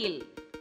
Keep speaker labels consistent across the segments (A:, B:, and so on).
A: மத்தியில்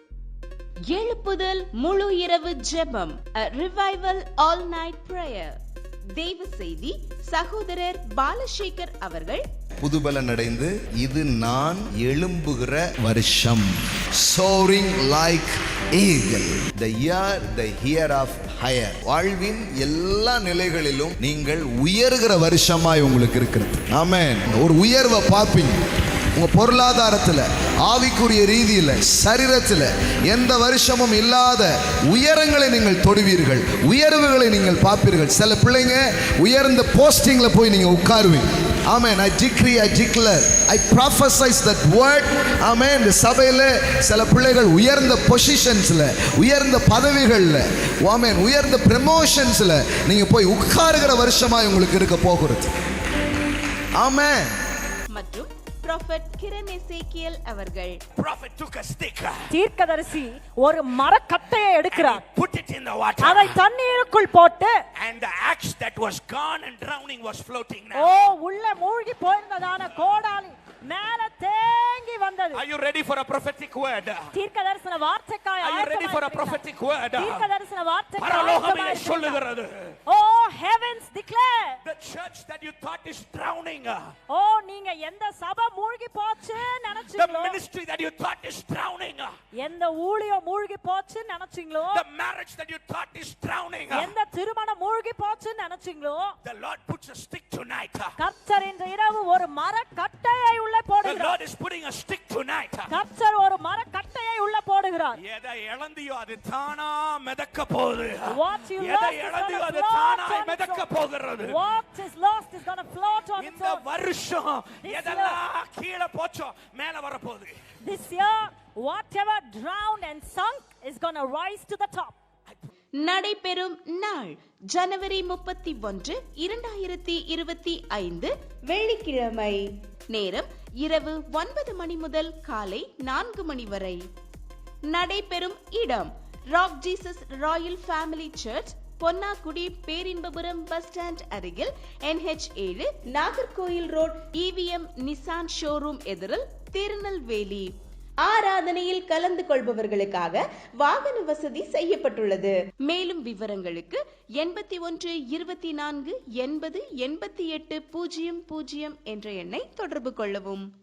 A: எழுப்புதல் முழு இரவு ஜெபம், a revival all night prayer. தேவ செய்தி சகோதரர் பாலசேகர் அவர்கள்.
B: புதுபலன் அடைந்து இது நான் எழும்புகிற வருஷம். soaring like eagle, the year of higher. வாழ்வின் எல்லா நிலைகளிலும் நீங்கள் உயர்கிற வருஷமாய் உங்களுக்கு இருக்கிறது. ஆமென். ஒரு உயர்வை பார்ப்பீங்க. உங்க பொருளாதாரத்துல, ஆவிக்குரிய ரீதியில, சரீரத்துல எந்த வருஷமும் இல்லாத உயரங்களை நீங்கள் தொடுவீர்கள், உயர்வுகளை நீங்கள் பார்ப்பீர்கள். சில பிள்ளைங்க உயர்ந்த போஸ்டிங்ல போய் நீங்க உட்காருவீங்க. Amen. I decree, I declare, I prophesize that word. Amen. இந்த சபையில சில பிள்ளைகள் உயர்ந்த பொசிஷன்ஸ்ல, உயர்ந்த பதவிகள்ல, ஆமென், உயர்ந்த ப்ரமோஷன்ஸ்ல நீங்க போய் உட்காருகிற வருஷமா உங்களுக்கு இருக்க போகிறது. ஆமென்.
A: மற்றும் Prophet Kiran Ezekiel அவர்கள்.
C: Prophet took a stick.
D: தீர்க்கதரிசி ஒரு மரக்கட்டையை எடுக்கிறார்.
C: Put it in the water.
D: அதை தண்ணீருக்குள் போட்டு,
C: and the axe that was gone and drowning was floating now.
D: உள்ள மூழ்கி போயிருந்ததான கோடாலி மேலே தேங்கி வந்தது.
C: Are you ready for a prophetic word?
D: தீர்க்கதரிசன வார்த்தைக்காய்
C: Are you ready for a prophetic word?
D: தீர்க்கதரிசன வார்த்தைக்காய்
C: பரலோகமே சொல்லுகிறது.
D: Oh heavens declare.
C: The church that you thought is drowning.
D: நீங்க எந்த சபை மூழ்கி போச்சு நினைச்சீங்களோ,
C: the ministry that you thought is drowning,
D: எந்த ஊழியம் மூழ்கி போச்சு நினைச்சீங்களோ,
C: the marriage that you thought is drowning,
D: எந்த திருமணம் மூழ்கி போச்சு நினைச்சீங்களோ,
C: the Lord puts a stick tonight.
D: கர்த்தர் இன்று இரவு ஒரு மரக்கட்டையை உள்ளே
C: The
D: போடுகிறார்.
C: Lord is putting a stick tonight.
D: கர்த்தர் ஒரு மரக்கட்டையை உள்ளே போடுகிறார்.
C: எதை இழந்தியோ அது தானா மிதக்க போகுது.
D: What you
C: எதை
D: lost
C: இழந்தியோ
D: is
C: அது
D: going to
C: தானா
D: float on
C: மிதக்க
D: its own.
C: போகிறது.
D: What is lost is going to float on its
C: இந்த
D: own.
C: வருஷம் எதெல்லாம் கீழே போச்சோ மேல வர போகுது.
D: This year whatever drowned and sunk is going to rise to the top.
A: நடைபெறும் நாள் ஜனவரி 31, 2025 வெள்ளிக்கிழமை. நேரம் இரவு 9 மணி முதல் காலை 4 மணி வரை. நடைபெறும் இடம் rock Jesus royal family church, Ponnakudi, Perinbapuram bus stand அருகில், NH7, Nagercoil road, EVM Nissan showroom எதிரில், திருநெல்வேலி. ஆராதனையில் கலந்து கொள்பவர்களுக்காக வாகன வசதி செய்யப்பட்டுள்ளது. மேலும் விவரங்களுக்கு 81 24 80 88 00 என்ற எண்ணை தொடர்பு கொள்ளவும்.